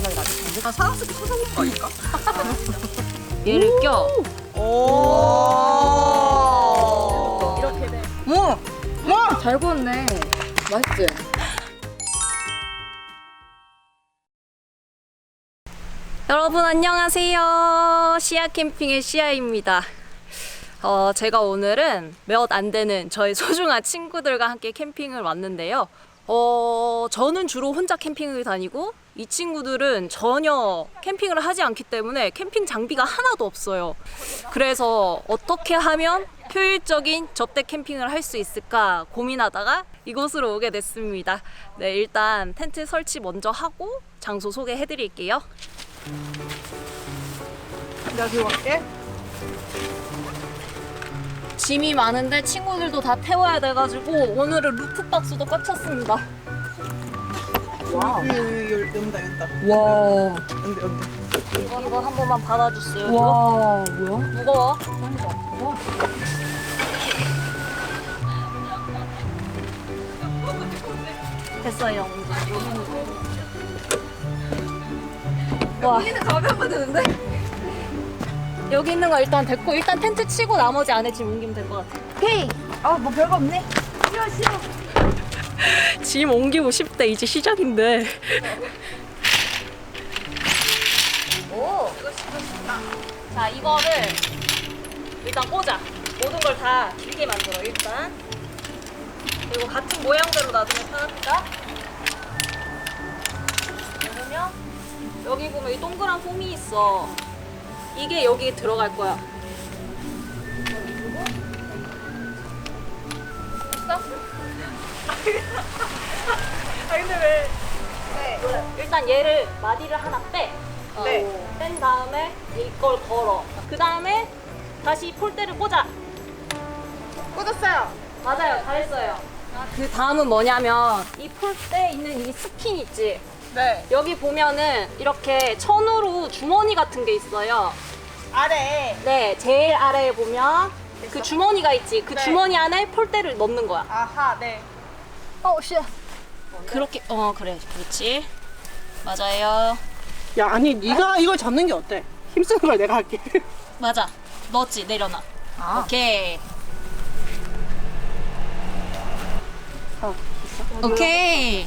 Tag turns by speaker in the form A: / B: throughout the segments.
A: 마지막에 놔줄 건데.
B: 사람스럽게 찾아볼 거 아닐까?
A: 얘를 껴.
B: 오.
A: 이렇게 돼.
B: 뭐?
A: 잘 구웠네. 맛있지? 여러분 안녕하세요. 시아 캠핑의 시아입니다. 제가 오늘은 몇 안 되는 저희 소중한 친구들과 함께 캠핑을 왔는데요. 저는 주로 혼자 캠핑을 다니고 이 친구들은 전혀 캠핑을 하지 않기 때문에 캠핑 장비가 하나도 없어요. 그래서 어떻게 하면 효율적인 접대 캠핑을 할 수 있을까 고민하다가 이곳으로 오게 됐습니다. 네, 일단 텐트 설치 먼저 하고 장소 소개해 드릴게요.
B: 내가 들고 갈게.
A: 짐이 많은데 친구들도 다 태워야 돼가지고 오늘은 루프박스도 꽉 찼습니다.
B: 와. 연다.
A: 와.
B: 연다.
A: 이거 한 번만 받아주세요.
C: 와, 뭐야?
A: 무거워. 됐어요. 와.
B: 여기는 가벼우면 되는데?
A: 여기 있는 거 일단 됐고 일단 텐트 치고 나머지 안에 짐 옮기면 될 것 같아.
C: 오케이.
B: 아, 뭐 별거 없네.
C: 싫어.
A: 짐 옮기고 싶대. 이제 시작인데. 오. 자, 이거를 일단 꽂아. 모든 걸 다 길게 만들어 일단. 그리고 같은 모양대로 놔두면 편하니까. 그러면 여기 보면 이 동그란 홈이 있어. 이게 여기 들어갈 거야. 됐어?
B: 근데 왜? 네.
A: 일단 얘를 마디를 하나 빼.
B: 네.
A: 뺀 다음에 이걸 걸어. 그 다음에 다시 폴대를 꽂아.
B: 꽂았어요.
A: 맞아요, 잘했어요. 그 다음은 뭐냐면 이 폴대에 있는 이 스킨 있지.
B: 네.
A: 여기 보면은 이렇게 천으로 주머니 같은 게 있어요.
B: 아래.
A: 네, 제일 아래에 보면 그 주머니가 있지. 그
B: 네.
A: 주머니 안에 폴대를 넣는 거야.
B: 아하, 네.
A: 씨. 그렇게 그래, 그렇지. 맞아요.
D: 야, 아니 네가 이걸 잡는 게 어때? 힘쓰는 걸 내가 할게.
A: 맞아. 넣었지, 내려놔. 오케이. 오케이.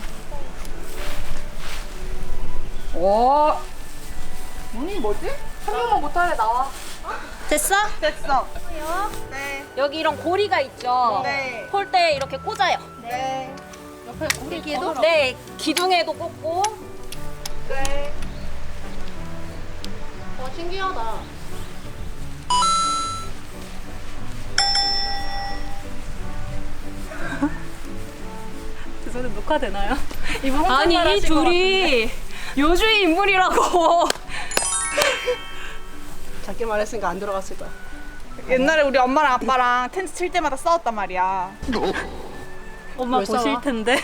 B: 오. 문이 뭐지? 한 명만 못하래 나와.
A: 됐어?
B: 됐어. 네.
A: 여기 이런 고리가 있죠.
B: 네.
A: 폴대에 이렇게 꽂아요.
B: 네.
D: 옆에 고리기도?
A: 네, 기둥에도 꽂고.
B: 네.
A: 신기하다.
C: 죄송한데 녹화되나요? 이분
A: 아니, 이 둘이 요주의 인물이라고.
D: 작게 말했으니까 안 들어갔을 거야.
B: 옛날에 우리 엄마랑 아빠랑 텐트 칠 때마다 싸웠단 말이야.
C: 엄마
D: 왜
C: 보실
D: 싸워?
C: 텐데.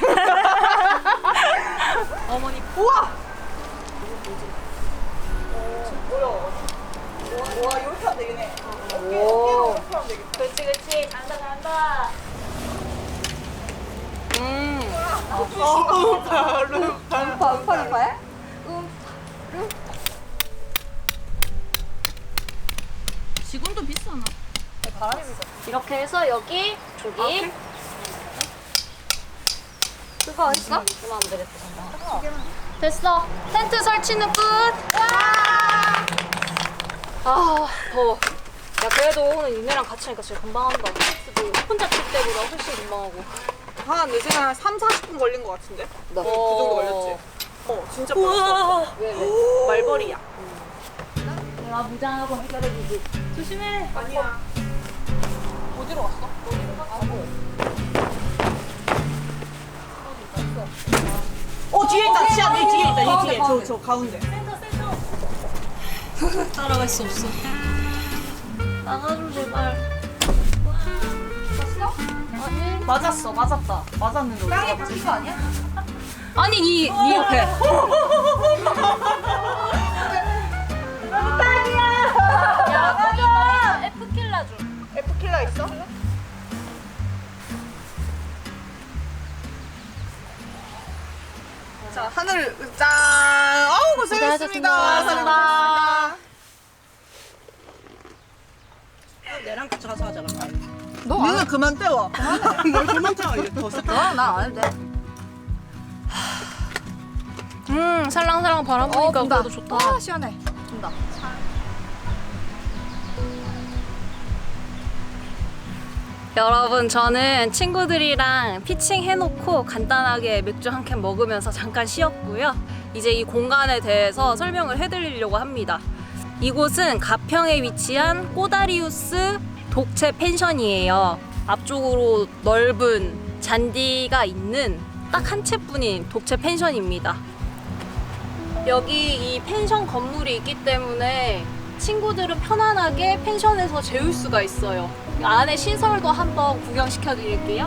A: 어머니.
B: 우와! 와, 이렇게 하면 되겠네. 어깨로 이렇게 하면 되겠다.
A: 그렇지, 그렇지. 간다, 간다.
B: 파루파에?
C: 지금도 비싸나?
A: 이렇게 해서 여기, 저기. 그거 어딨어? 그거 하면 되겠다. 됐어. 텐트 설치는 끝. 아, 더워. 야, 그래도 오늘 니네랑 같이 하니까 진짜 금방 한다. 혼자 칠 때보다 훨씬 금방 하고.
B: 내 생각에 한 3, 40분 걸린 것 같은데? 그 정도 걸렸지? 진짜
A: 우와. 왜?
B: 말벌이야.
A: 내가 무장하고 해결해주지. 조심해.
B: 아니야. 어디로 갔어? 뒤에 있다. 치아, 네 뒤에 있다. 이 뒤에. 저 가운데.
A: 따라갈 수 없어. 나가줘 제발.
B: 맞았어. 맞았다. 맞았는데. 땅에 박힌 거 아니야?
A: 아니 니 옆에. 야, 거기 F킬라 좀.
B: F킬라 있어? 자, 하늘 짠. 아우, 고생했어. 감사합니다.
D: 내랑 같이 가서 하자.
B: 니는 그만 떼워.
D: 뭘 그만 쳐. 이제 더 써.
B: 나안 해도 돼.
A: 살랑살랑 바람 부니까 그래도 좋다.
B: 시원해. 준다.
A: 여러분, 저는 친구들이랑 피칭 해놓고 간단하게 맥주 한 캔 먹으면서 잠깐 쉬었고요. 이제 이 공간에 대해서 설명을 해드리려고 합니다. 이곳은 가평에 위치한 꼬다리우스 독채 펜션이에요. 앞쪽으로 넓은 잔디가 있는 딱 한 채뿐인 독채 펜션입니다. 여기 이 펜션 건물이 있기 때문에 친구들은 편안하게 펜션에서 재울 수가 있어요. 안에 시설도 한번 구경시켜 드릴게요.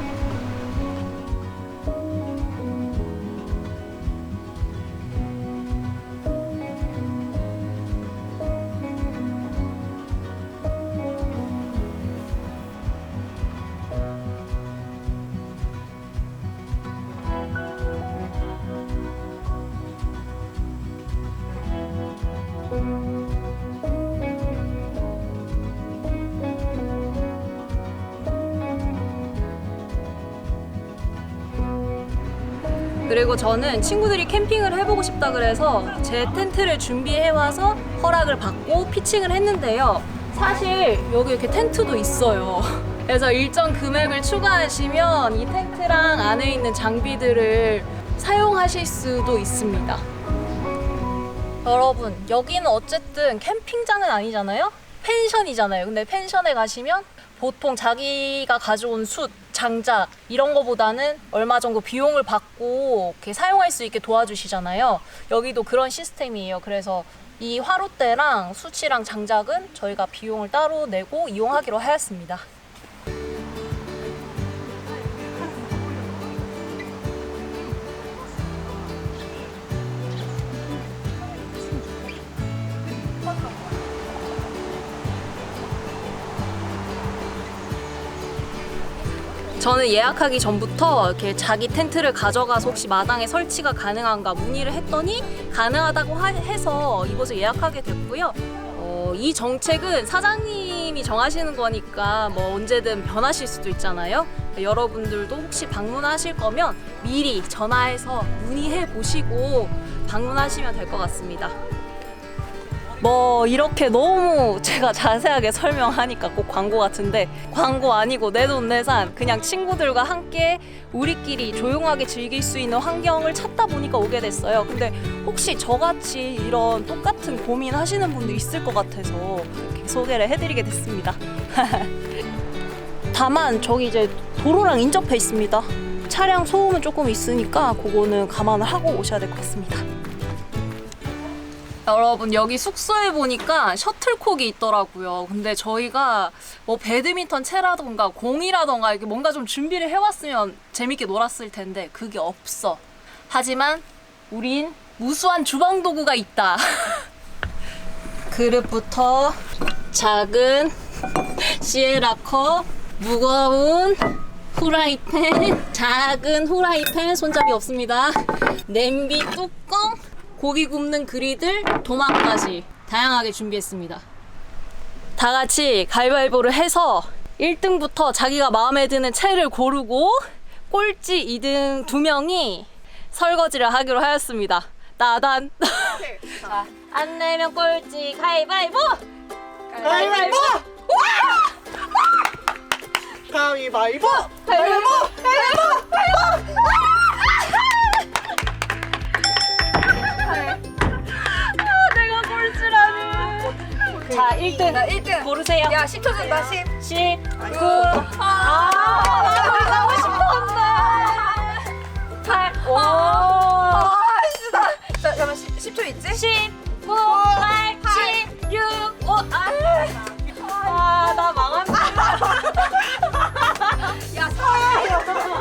A: 그리고 저는 친구들이 캠핑을 해보고 싶다 그래서 제 텐트를 준비해와서 허락을 받고 피칭을 했는데요. 사실 여기 이렇게 텐트도 있어요. 그래서 일정 금액을 추가하시면 이 텐트랑 안에 있는 장비들을 사용하실 수도 있습니다. 여러분, 여기는 어쨌든 캠핑장은 아니잖아요? 펜션이잖아요. 근데 펜션에 가시면 보통 자기가 가져온 숯, 장작 이런 거보다는 얼마 정도 비용을 받고 이렇게 사용할 수 있게 도와주시잖아요. 여기도 그런 시스템이에요. 그래서 이 화롯대랑 숯이랑 장작은 저희가 비용을 따로 내고 이용하기로 하였습니다. 저는 예약하기 전부터 이렇게 자기 텐트를 가져가서 혹시 마당에 설치가 가능한가 문의를 했더니 가능하다고 해서 이곳을 예약하게 됐고요. 이 정책은 사장님이 정하시는 거니까 뭐 언제든 변하실 수도 있잖아요. 여러분들도 혹시 방문하실 거면 미리 전화해서 문의해 보시고 방문하시면 될 것 같습니다. 뭐 이렇게 너무 제가 자세하게 설명하니까 꼭 광고 같은데 광고 아니고 내돈내산 그냥 친구들과 함께 우리끼리 조용하게 즐길 수 있는 환경을 찾다 보니까 오게 됐어요. 근데 혹시 저같이 이런 똑같은 고민 하시는 분도 있을 것 같아서 이렇게 소개를 해드리게 됐습니다. 다만 저기 이제 도로랑 인접해 있습니다. 차량 소음은 조금 있으니까 그거는 감안을 하고 오셔야 될 것 같습니다. 여러분, 여기 숙소에 보니까 셔틀콕이 있더라고요. 근데 저희가 뭐 배드민턴 채라던가 공이라던가 이렇게 뭔가 좀 준비를 해왔으면 재밌게 놀았을 텐데 그게 없어. 하지만 우린 무수한 주방 도구가 있다. 그릇부터 작은 시에라컵, 무거운 후라이팬, 작은 후라이팬, 손잡이 없습니다. 냄비 뚜껑, 고기 굽는 그리들, 도마까지 다양하게 준비했습니다. 다 같이 가위바위보를 해서 1등부터 자기가 마음에 드는 채를 고르고 꼴찌 2등 2명이 설거지를 하기로 하였습니다. 나단. 자, 안 내면 꼴찌 가위바위보!
D: 가위바위보! 가위바위보!
B: 가위바위보!
A: 내가 꼴찌라니. 자, 1등.
B: 나 1등.
A: 고르세요.
B: 야, 10초 준다, 10.
A: 10, 9. 나 하고 싶었는데. 8, 5.
B: 아이씨, 나. 잠깐만, 10초 있지?
A: 10, 9, 8, 7, 6, 5. 나 망한다.
B: 야, 사야.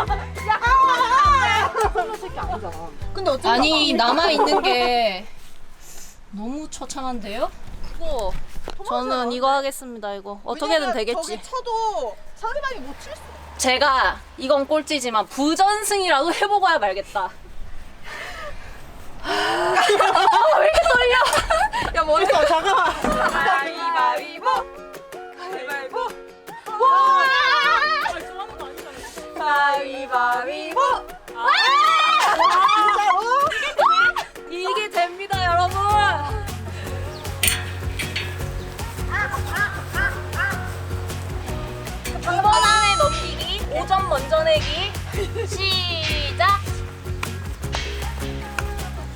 D: 근데 어쩌다
A: 아니, 남아있는 게 너무 처참한데요? 이거, 저는 이거 하겠습니다, 이거. 어떻게든 되겠지.
B: 저기 쳐도 상대방이 못 칠 수.
A: 제가 이건 꼴찌지만 부전승이라도 해보고야 말겠다. 왜 이렇게 떨려?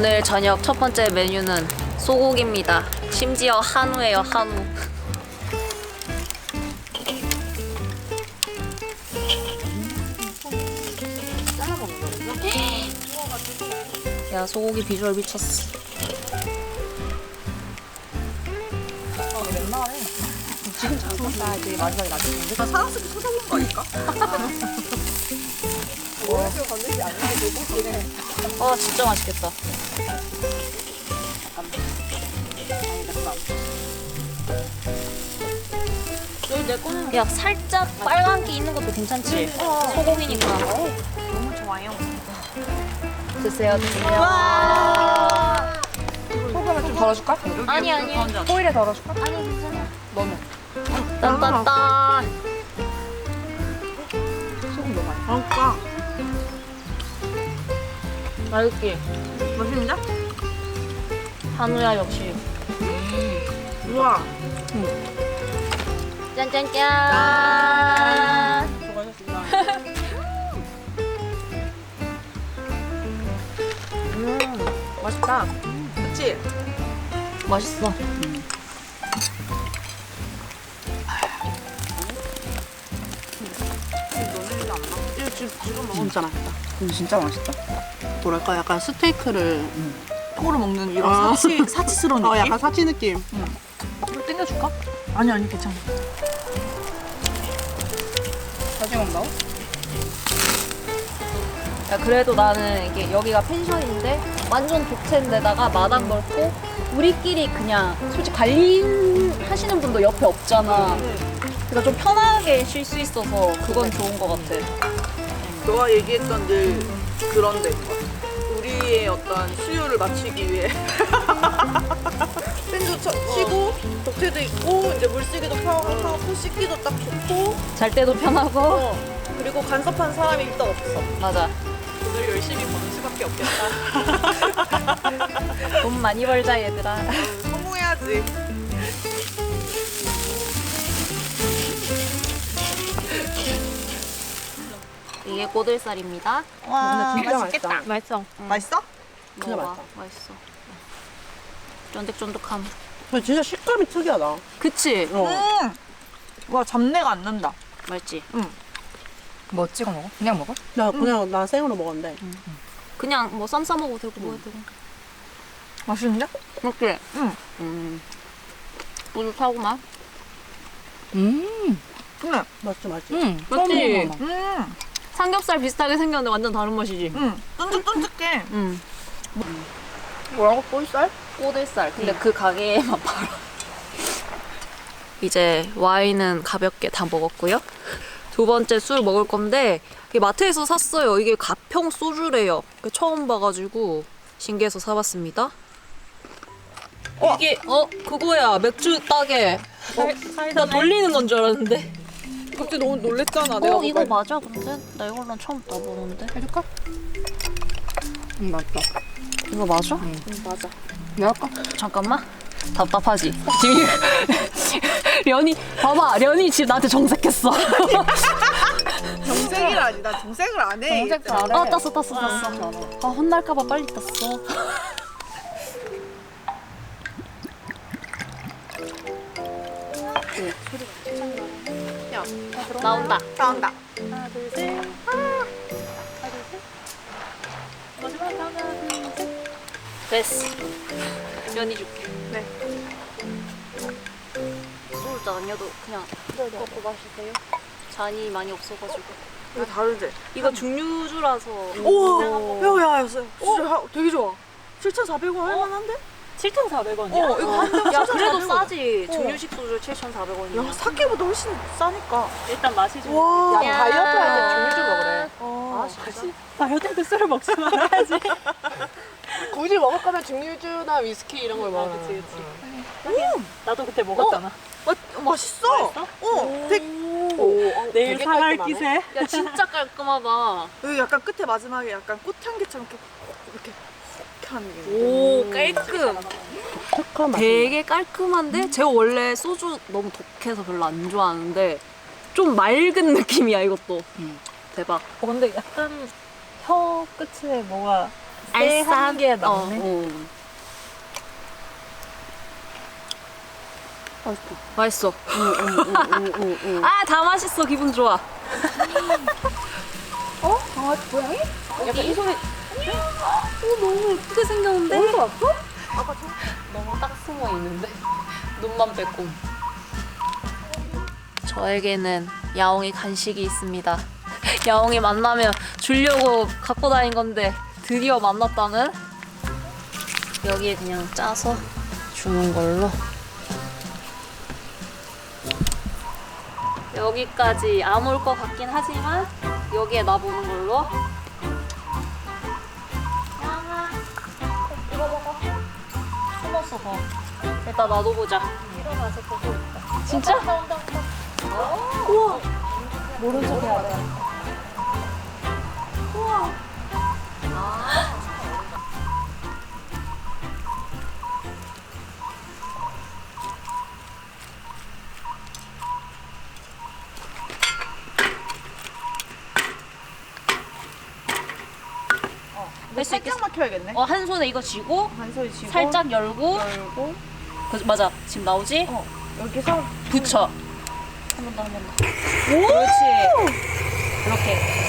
A: 오늘 저녁 첫 번째 메뉴는 소고기입니다. 심지어 한우예요, 한우. 야, 소고기 비주얼 미쳤어.
B: 사랑스럽게 쳐다본 거 아닐까?
A: 진짜 맛있겠다. 야, 살짝 빨간기 있는 것도 괜찮지? 소고기니까.
B: 너무 좋아요.
A: 드세요, 드세요.
B: 소금을 좀 덜어줄까?
A: 아니, 아니.
B: 호일에 덜어줄까?
A: 아니, 괜찮아.
B: 너무.
A: 딴딴딴.
B: 소금 너무 많이. 그러니까.
A: 맛있지?
B: 맛있는데?
A: 한우야, 역시.
B: 우와.
A: 짠짠짠.
D: 수고하셨습니다.
B: 맛있다. 그치?
A: 맛있어.
D: 진짜 맛있다.
B: 진짜 맛있다.
D: 뭐랄까 약간 스테이크를
B: 통으로 먹는 이런
D: 아.
B: 사치스러운 느낌?
D: 약간 사치 느낌.
B: 이거 땡겨줄까? 아니 괜찮아. 사진 온다고?
A: 야, 그래도 나는 이게 여기가 펜션인데 완전 독채인데다가 마당 넓고 우리끼리 그냥 솔직히 관리하시는 분도 옆에 없잖아. 그러니까 좀 편하게 쉴 수 있어서 그건 좋은 것 같아.
B: 너가 얘기했던 늘 그런 데인 것 같아. 우리의 어떤 수요를 맞추기 위해 팬도 치고 독채도 있고 이제 물쓰기도 편하고 씻기도 딱 좋고
A: 잘 때도 편하고.
B: 그리고 간섭한 사람이 일단 없어.
A: 맞아.
B: 오늘 열심히 버는 수밖에 없겠다.
A: 돈 많이 벌자, 얘들아.
B: 성공해야지.
A: 이게 꼬들살입니다.
B: 와
D: 진짜 맛있다.
A: 맛있어.
B: 맛있어?
D: 진짜
A: 먹어봐.
D: 맛있다.
A: 맛있어. 쫀득쫀득함.
D: 근데 진짜 식감이 특이하다.
A: 그치?
B: 와 잡내가 안 난다.
A: 맛있지?
B: 뭐 찍어 먹어? 그냥 먹어?
D: 나 생으로 먹었는데.
A: 그냥 뭐 쌈 싸먹어도 되고 뭐 해도 되고.
B: 맛있는데?
A: 맞지?
B: 응.
A: 뿌듯하구만.
B: 그래.
D: 맛있지 맛있지.
A: 맞지? 삼겹살 비슷하게 생겼는데 완전 다른 맛이지?
B: 쫀득쫀득해.
A: 뭐라고? 꼬들살? 꼬들살. 근데 그 가게에만 팔아. 이제 와인은 가볍게 다 먹었고요. 두 번째 술 먹을 건데 이게 마트에서 샀어요. 이게 가평 소주래요. 처음 봐가지고 신기해서 사봤습니다. 이게 그거야. 맥주 따게. 나 돌리는 건 줄 알았는데.
B: 갑자기 너무 놀랬잖아.
A: 이거 맞아? 근데 나 이걸로 처음 따보는데.
B: 해줄까?
D: 맛있다.
A: 이거 맞아?
B: 맞아.
D: 내가 할까?
A: 잠깐만. 답답하지? 지금 련이 봐봐. 련이 지금 나한테 정색했어.
B: 정색이라니. 나 정색을 안 해.
D: 정색 안 해.
A: 땄어. 아, 혼날까봐 빨리 땄어. 나온다.
B: 나온다.
A: 하나, 둘, 셋. 마지막 하나, 둘, 셋. 됐어. 면이 줄게.
B: 네.
A: 소주 아니어도 그냥 먹고 마시세요. 잔이 많이 없어가지고.
B: 이거 다르지?
A: 이거 중류주라서.
B: 오! 야, 진짜 되게 좋아. 7,400원 할만한데?
A: 7,400원이야?
B: 이거 한 병.
A: 야, 그래도
B: 7,400원.
A: 싸지.
B: 어.
A: 중류식 소주 7,400원이야.
B: 야, 사케보다 훨씬 싸니까.
A: 일단 마시죠.
B: 와.
A: 야,
D: 다이어트 할 때 중류주 먹으래.
B: 아,
A: 진짜?
D: 다이어트 때 술을 먹지 말아야지. 굳이 먹을 거면 중류주나 위스키 이런 걸 먹어.
A: 그치. 나도 그때 먹었잖아.
B: 맛있어.
D: 내일
A: 사갈 기세. 야, 진짜 깔끔하다.
B: 여기 약간 끝에 마지막에 약간 꽃향기처럼 이렇게 하는 게.
A: 오, 깔끔.
D: 착한 맛.
A: 되게 깔끔한데 제가 원래 소주 너무 독해서 별로 안 좋아하는데 좀 맑은 느낌이야, 이것도. 대박.
C: 근데 약간 혀 끝에 뭐가
A: 알싸한 게 맛있어. 아, 다 맛있어. 기분 좋아.
D: 강아지 고양이?
A: 약간 이 소리. 너무 예쁘게 생겼는데? 어디서 왔어? 너무 딱 숨어 있는데 눈만 빼고. 저에게는 야옹이 간식이 있습니다. 야옹이 만나면 주려고 갖고 다닌 건데 드디어 만났다는? 여기에 그냥 짜서 주는 걸로. 여기까지 안 올 것 같긴 하지만 여기에 놔보는 걸로. 이거 먹어. 숨었어 더. 일단 놔둬보자. 일어나서 보고 있다. 진짜? 우와. 모른 척 해야 돼. 우와. 할 수 있겠어.
B: 살짝 막혀야겠네.
A: 한 손에 이거 쥐고
B: 한 소리 쥐고
A: 살짝 열고.
B: 열고
A: 맞아. 지금 나오지?
B: 여기서
A: 붙여. 한 번 더, 한 번 더. 그렇지. 이렇게.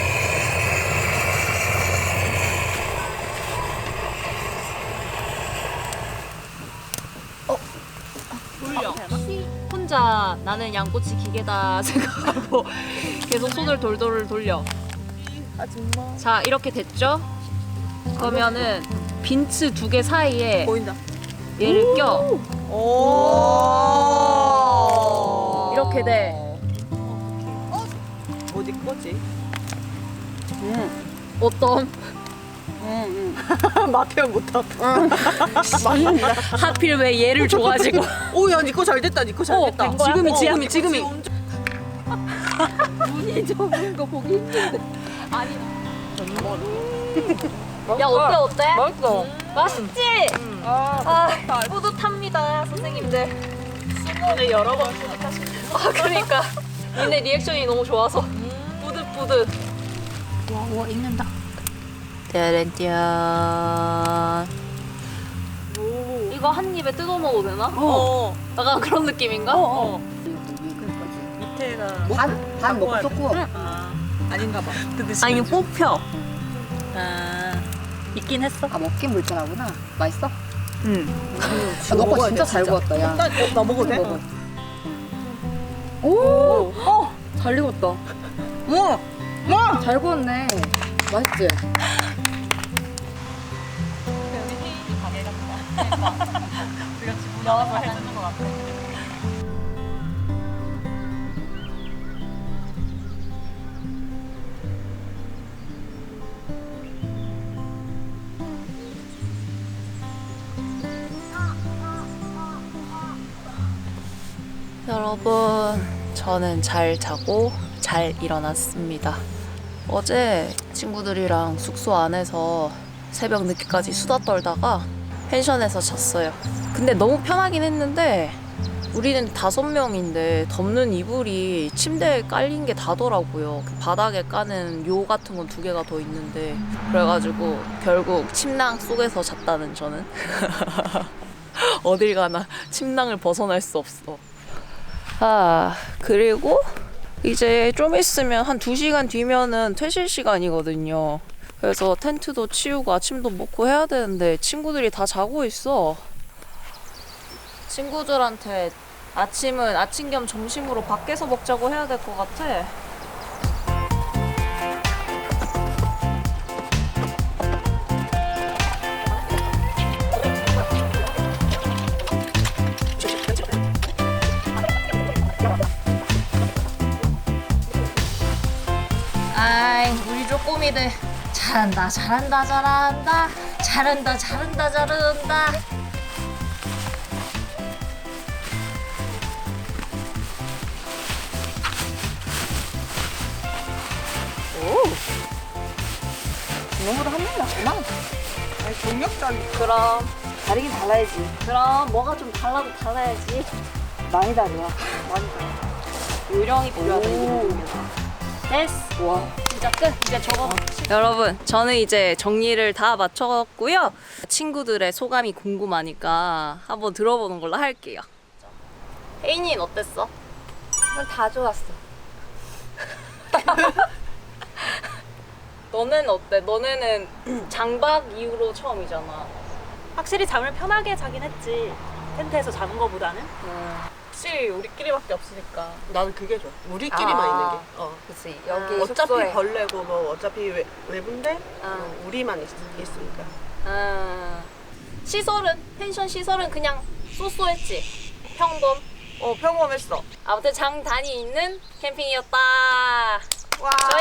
A: 돌려. 혼자 나는 양꼬치 기계다 생각하고 계속 손을 돌돌 돌려.
B: 아줌마
A: 자, 이렇게 됐죠? 그러면은 빈츠 2개 사이에
B: 보인다.
A: 얘를 껴.
B: 오
A: 이렇게 돼.
B: 어디 거지?
A: 어떤?
B: 맛 표현 못하고.
A: 하필 왜 얘를 줘가지고.
B: 오야 니거 잘 됐다. 니거 잘 됐다.
A: 된 거야?
B: 지금이.
A: 눈이 적은 거 보기 힘든데. 아니. 야, 어때?
B: 맛있어.
A: 맛있지? 뿌듯합니다, 선생님들.
B: 오늘 여러 번
A: 그러니까 니네 리액션이 너무 좋아서 뿌듯뿌듯.
D: 와 익는다.
A: 짜란짠. 이거 한 입에 뜯어 먹어도 되나? 약간 그런 느낌인가?
B: 밑에가
D: 반 먹고 쏟고.
B: 아닌가 봐.
A: 아니, 이거 뽑혀. 있긴 했어.
D: 아 먹긴 물편하구나. 맛있어?
B: 응.
D: 너 거 진짜 잘 구웠다 야.
B: 나 먹어도 돼?
D: 먹어. 오! 잘 익었다. 잘 구웠네. 맛있지?
A: 여러분, 저는 잘 자고 잘 일어났습니다. 어제 친구들이랑 숙소 안에서 새벽 늦게까지 수다 떨다가 펜션에서 잤어요. 근데 너무 편하긴 했는데 우리는 5명인데 덮는 이불이 침대에 깔린 게 다더라고요. 그 바닥에 까는 요 같은 건 2개가 더 있는데 그래가지고 결국 침낭 속에서 잤다는 저는. 어딜 가나 침낭을 벗어날 수 없어. 그리고 이제 좀 있으면 한 2시간 뒤면은 퇴실 시간이거든요. 그래서 텐트도 치우고 아침도 먹고 해야 되는데 친구들이 다 자고 있어. 친구들한테 아침은 아침 겸 점심으로 밖에서 먹자고 해야 될 것 같아. 아이, 우리 쪼꼬미들 잘한다.
D: 이거보다 한 명 낫구나.
B: 아니 경력자니.
A: 그럼
D: 다르긴 달라야지.
A: 뭐가 좀 달라야지.
D: 많이 달라.
A: 요령이 필요하다. 이거. 됐어.
D: 와
A: 진짜 끝. 이제 저거. 여러분, 저는 이제 정리를 다 마쳤고요. 친구들의 소감이 궁금하니까 한번 들어보는 걸로 할게요. 혜인이는 어땠어?
B: 난 다 좋았어.
A: 너는 어때? 너네는 장박 이후로 처음이잖아.
C: 확실히 잠을 편하게 자긴 했지. 텐트에서 자는 거보다는.
A: 확실히 우리끼리밖에 없으니까.
D: 나는 그게 좋아. 우리끼리만 있는 게.
B: 그치. 여기
D: 어차피
B: 숙소에.
D: 벌레고 뭐 어차피 외부인데 우리만 있으니까.
A: 시설은? 펜션 시설은 그냥 쏘쏘했지? 평범?
D: 평범했어.
A: 아무튼 장단이 있는 캠핑이었다.
B: 와.